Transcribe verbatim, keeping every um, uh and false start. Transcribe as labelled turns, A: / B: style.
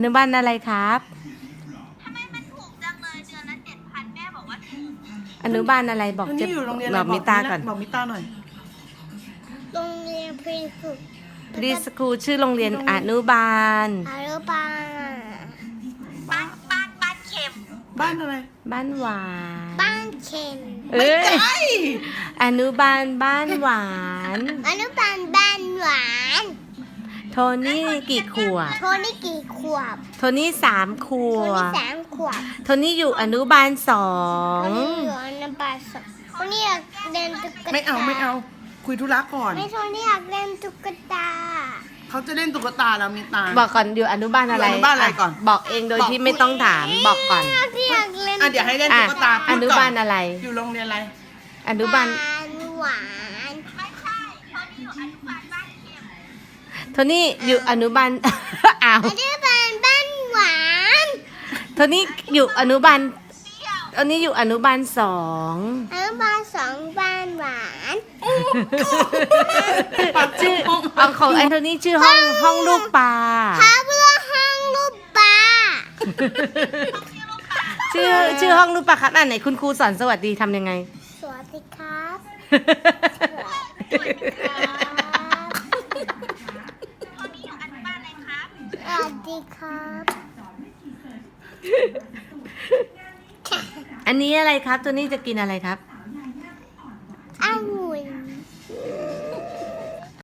A: อนุบาลอะไรครับ
B: ทำไมมันถูกจังเลยเดือนละเจ็ดพันแม่บอกว่าถูก
A: อนุบาลอะไรบอก
C: อัน
A: จะ
C: นี้อยู่โรงเรียนอะ
A: บ
C: ไร
A: อกมิตาก่อน
C: บอกมิตาหน่อย
D: โรงเรียนพรีสคูล
A: พรีสคูลชื่อโรงเรียนอนุบาล
D: อนุบาล
B: บ้านบ้านบ้านเข็ม
C: บ้านอะไร
A: บ้านหวาน
D: บ้านเข็ม
A: เอ้ย
C: ไอ้
A: อนุบาลบ้านหวาน
D: อนุบาลบ้านหวาน
A: โทนี่กี่ขวบ
D: โทนี่กี่ขวบ
A: โทนี่สามข
D: โท
A: ว
D: นี่
A: บ
D: สามขวบ
A: โทนี่อยู่อนุบาลสอ
D: โท
A: ง
D: นี่อยู่อนุบาลสองโทนี่อยากเล่นตุ๊กตา
C: ไม่เอาไม่เอา คุยธุระก่อน
D: ไม่โทนี่อยากเล่นตุ๊กตา
C: เขาจะเล่นตุ๊กตาแล้วมิตา
A: บอกก่อนอยู่อนุบาลอะไร
C: อยู่อนุบาลอะไรก่อน
A: บอกเองโดยที่ไม่ต้องถามบอกก่อน
D: พี่อยากเล่น
C: อ่ะเดี๋ยวให้เล่น
A: อ่ะ
C: ตุ๊กตา
A: อ
C: พูด
A: นุ
C: ก่
A: บาลอะไร
C: อยู่โรงเรียนอะไร
A: อนุบาล
D: หวาน
B: ไม่ใช่เขาที่อยู่อนุบาลบ้านเข็ม
A: โทนี่อยู่อนุบาล อ้าว
D: อนุบาลบ้านหวาน
A: โทนี่อยู่อนุบาลตอนนี้อยู่อนุบาลสอง
D: อนุบาลสองบ้านหวาน
A: ชื่อเอาของแอนโทนีชื่อห้องห้องลูกปลา
D: พาเพื่อห้องลูกปลา
A: ชื่อชื่อห้องลูกปลาครับอ่านไหนคุณครูสอนสวัสดีทำยังไง
D: สวัสดีครับ
B: เขาที่อยู่อนุบาลอะไรครับ
D: สวัสดีครับ
A: อันนี้อะไรครับตัวนี้จะกินอะไรครับ